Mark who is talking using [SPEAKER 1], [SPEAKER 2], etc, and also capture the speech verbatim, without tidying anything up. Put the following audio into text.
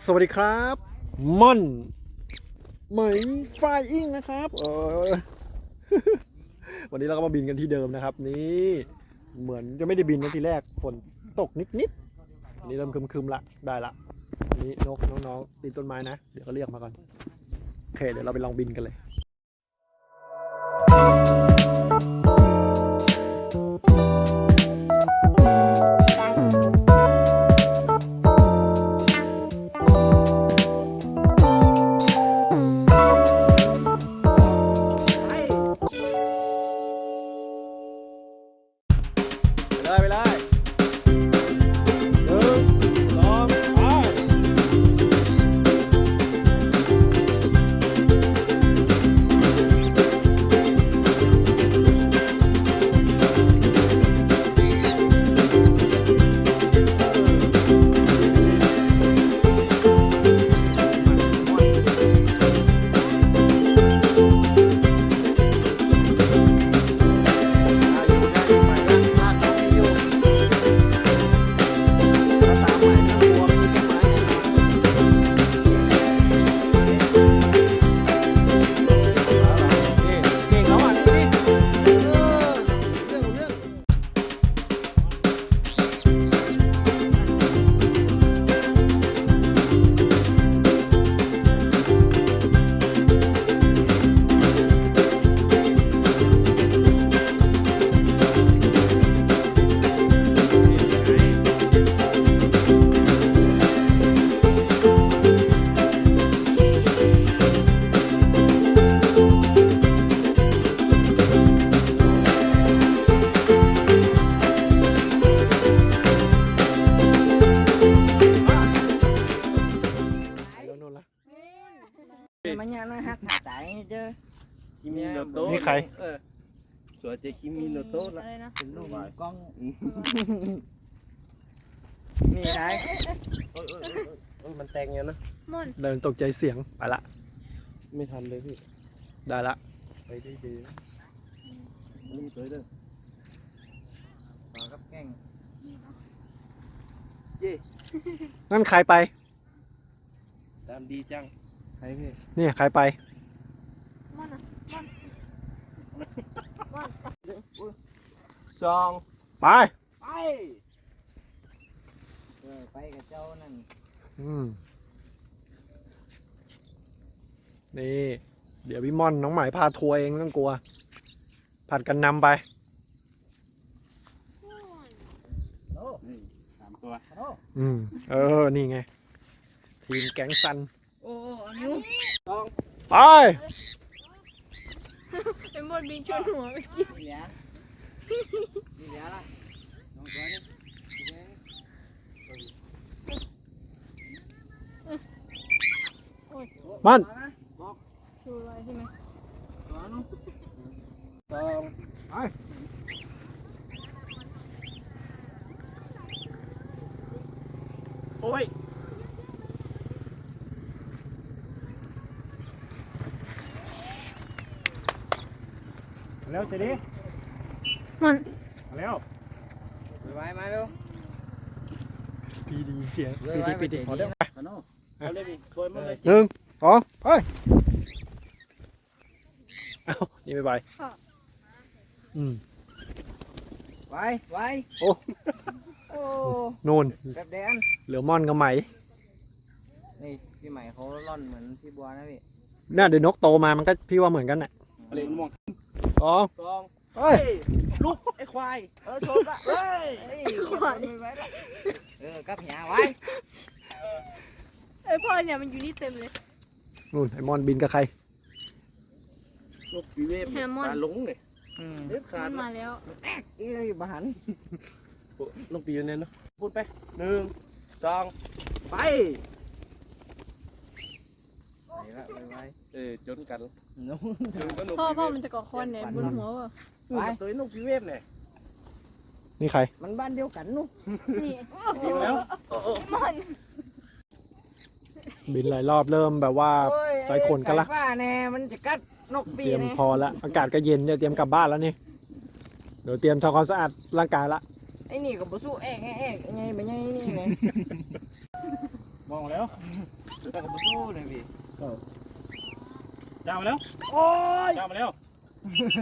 [SPEAKER 1] สวัสดีครับม่อนไหมไฟอิงนะครับเออ วันนี้เราก็มาบินกันที่เดิมนะครับนี่เหมือนจะไม่ได้บินนะทีแรกฝนตกนิดๆอันนี้เริ่มคึมๆละได้ละอันนี้นกน้องๆตีต้นไม้นะเดี๋ยวก็เรียกมาก่อนโอเคเดี๋ยวเราไปลองบินกันเลยไปเลยหนึ่งสองไป
[SPEAKER 2] มันยังน่าฮักหาใจเจอ
[SPEAKER 3] คิมิโนโตะ
[SPEAKER 1] นี่ใคร
[SPEAKER 3] เออสวยเจคิมิโนโตะละ
[SPEAKER 2] อะไรนะเป็นลูกกล้อง
[SPEAKER 3] อืม
[SPEAKER 2] นี่ใช่
[SPEAKER 3] เออเออเออเออมันแตงเงี้ยนะ
[SPEAKER 1] เดินตกใจเสียงไปละ
[SPEAKER 3] ไม่ทันเลยพี่
[SPEAKER 1] ได้ละ
[SPEAKER 3] ไปได้ดีนะนี่มันสวยเด้อ
[SPEAKER 2] ต่อกับแกง
[SPEAKER 1] นั่นใครไป
[SPEAKER 3] ตามดีจังใครพี่
[SPEAKER 1] เนี่ยใครไป
[SPEAKER 3] สอง
[SPEAKER 1] ไป
[SPEAKER 3] ไป
[SPEAKER 2] เออไปกับเจ้านั่น
[SPEAKER 1] อืมนี่เดี๋ยวพี่ม่อนน้องหมายพาทัวร์เองไม่ต้องกลัวผัดกันนำไป
[SPEAKER 2] โอ้
[SPEAKER 3] นี่สามตัว
[SPEAKER 2] โอ้
[SPEAKER 1] อืมเออนี่ไงทีมแก๊งซัน
[SPEAKER 2] โอ้อันนี้
[SPEAKER 1] ไป
[SPEAKER 4] เป็นบทบินชนหัวเมื่อกี้
[SPEAKER 2] เหลือนี่เหลือละน้องตัวนี้
[SPEAKER 1] มัน
[SPEAKER 4] ดูอะไรใช่ไหม
[SPEAKER 2] ตัวนู้น
[SPEAKER 3] สอง
[SPEAKER 1] ไป
[SPEAKER 3] โอ้ยแล้วเจดี
[SPEAKER 4] มัน
[SPEAKER 3] แล้ว
[SPEAKER 2] ไปไว้มาดู
[SPEAKER 1] พีดีเสียง
[SPEAKER 2] เว้
[SPEAKER 1] พี
[SPEAKER 2] ยไว้
[SPEAKER 1] ดี
[SPEAKER 2] ไป
[SPEAKER 1] พี
[SPEAKER 2] เดี๋
[SPEAKER 1] ดี
[SPEAKER 2] ยว
[SPEAKER 1] ขอ
[SPEAKER 2] เดี๋
[SPEAKER 1] เด้
[SPEAKER 2] ยว
[SPEAKER 1] วย
[SPEAKER 2] สนุก
[SPEAKER 3] เอาเลยพี่ถอยมาเลย
[SPEAKER 1] หนึ่งสองไปเอ้านี่ไม่ไปอืม
[SPEAKER 2] ไว้ไว้
[SPEAKER 1] โอ้
[SPEAKER 2] โอ้
[SPEAKER 1] นู่น
[SPEAKER 2] แบบแดน
[SPEAKER 1] เหลือม่อนกับไหม
[SPEAKER 2] นี่พี่ใหม่เขาล่อนเหมือนพี่บัวนะพี่
[SPEAKER 1] เนี่ยเดี๋ยวนกโตมามันก็พี่ว่าเหมือนกันน่ะ
[SPEAKER 3] เล่นม่วง
[SPEAKER 1] สอง
[SPEAKER 3] สอง
[SPEAKER 1] เฮ้ย
[SPEAKER 3] ลุกไอ้ควาย
[SPEAKER 2] เออชมละเฮ้ยเฮ้ยไว้ละเออกับหยาไว้
[SPEAKER 4] ไอยพ่อเนี่ยมันอยู่นี่เต็มเลย
[SPEAKER 1] นู่นไอ้ม่อนบินกับใคร
[SPEAKER 3] ลูกปีเวฟ
[SPEAKER 4] แฮมมอน
[SPEAKER 3] ตาหลงเลย
[SPEAKER 2] อืม
[SPEAKER 3] เด็ดขา
[SPEAKER 4] มั
[SPEAKER 3] ด
[SPEAKER 4] นมาแล้ว
[SPEAKER 2] อีบ้าน
[SPEAKER 3] ลูกปีอยู่เนี่ยเนาะพูดไปหนึ่งสองไป
[SPEAKER 2] ไปละไปไว้
[SPEAKER 3] เออจนกัน
[SPEAKER 2] นู้น
[SPEAKER 3] จนก็นก
[SPEAKER 4] พ่อ
[SPEAKER 3] ปี
[SPEAKER 4] พ่อ
[SPEAKER 3] เวฟ
[SPEAKER 4] มันจะก่อคอนเนี่ยบนหัวว่ะ
[SPEAKER 3] ไปตัวนกปีเวฟเนี่ย
[SPEAKER 1] นี่ใคร
[SPEAKER 2] มันบ้านเดียวกันนู้น
[SPEAKER 4] นี่
[SPEAKER 3] กินแล้วโอ้โอ้
[SPEAKER 4] มัน
[SPEAKER 1] บินหลายรอบเริ่มแบบว่า
[SPEAKER 2] โอ้ย
[SPEAKER 1] สายขนกันละ
[SPEAKER 2] สายฟ้าแน่มันจะกัดนกปี
[SPEAKER 1] เตรียม
[SPEAKER 2] เนี่ย
[SPEAKER 1] พอละอากาศก็เย็นเนี่ยเตรียมกลับบ้านแล้วนี่เดี๋ยวเตรียมทำความสะอาดร่างกายละ
[SPEAKER 2] ไอ้นี่ก็บ่สู้แอกแอกแอกยังไงไปยังไงนี่ไง
[SPEAKER 3] มมองแล้ว
[SPEAKER 2] แต่ก็บ่สู้เลยพี่
[SPEAKER 3] จ้ามาแล้ว
[SPEAKER 2] โอ้ย
[SPEAKER 3] จ้ามาแล้ว